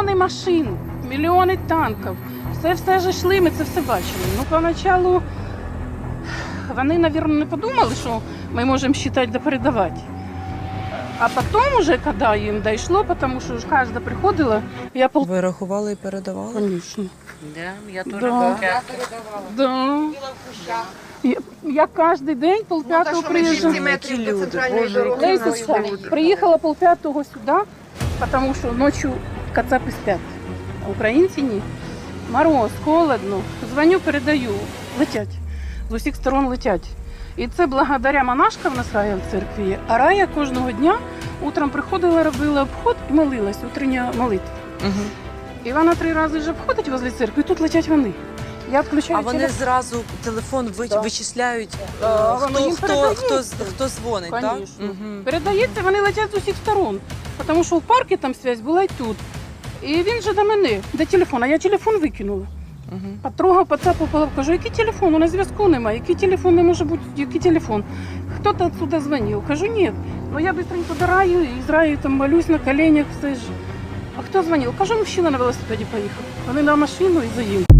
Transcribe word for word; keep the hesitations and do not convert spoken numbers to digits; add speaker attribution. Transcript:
Speaker 1: мільйони машин, мільйони танків. Все все ж йшли, ми це все бачили. Ну, поначалу вони, мабуть, не подумали, що ми можемо считати да передавати. А потім уже, коли їм дійшло, тому що ж кожна приходила, я пол...
Speaker 2: Ви рахували і передавали?
Speaker 1: Конечно.
Speaker 3: Да, я теж
Speaker 1: Да.
Speaker 3: да.
Speaker 1: Да. Я, я кожен день полп'ятого приїжджаю.
Speaker 2: Які люди, боже, які
Speaker 1: Лесечка, приїхала полп'ятого сюди, тому що ночі кацапи сплять, а українці ні. Мороз, холодно, дзвоню, передаю, летять, з усіх сторон летять. І це благодаря монашкам в нас рая в церкві є. А рая кожного дня утром приходила, робила обход і молилась, утрення молитва.
Speaker 2: Угу.
Speaker 1: І вона три рази вже обходить возле церкви, і тут летять вони. Я включаю
Speaker 2: А вони
Speaker 1: телефон.
Speaker 2: зразу телефон ви-
Speaker 1: Да.
Speaker 2: вичисляють,
Speaker 1: Да,
Speaker 2: е,
Speaker 1: вони
Speaker 2: хто,
Speaker 1: їм
Speaker 2: хто,
Speaker 1: передають.
Speaker 2: хто, з- хто дзвонить, так?
Speaker 1: Конечно.
Speaker 2: Угу.
Speaker 1: Передається, вони летять з усіх сторон. Тому що в парку там зв'язь була і тут. І він же до мене, де телефон, а я телефон викинула.
Speaker 2: Угу.
Speaker 1: Потрогав, поцапав, кажу, який телефон? У нас зв'язку немає. Який телефон не може бути? Який телефон? Хто-то отсюда дзвонив. Кажу, ні. Ну я быстренько до раю, і з раю там молюсь на коленях, все ж. А хто дзвонив? Кажу, мужчина на велосипеді поїхав. Вони на машину і заїв.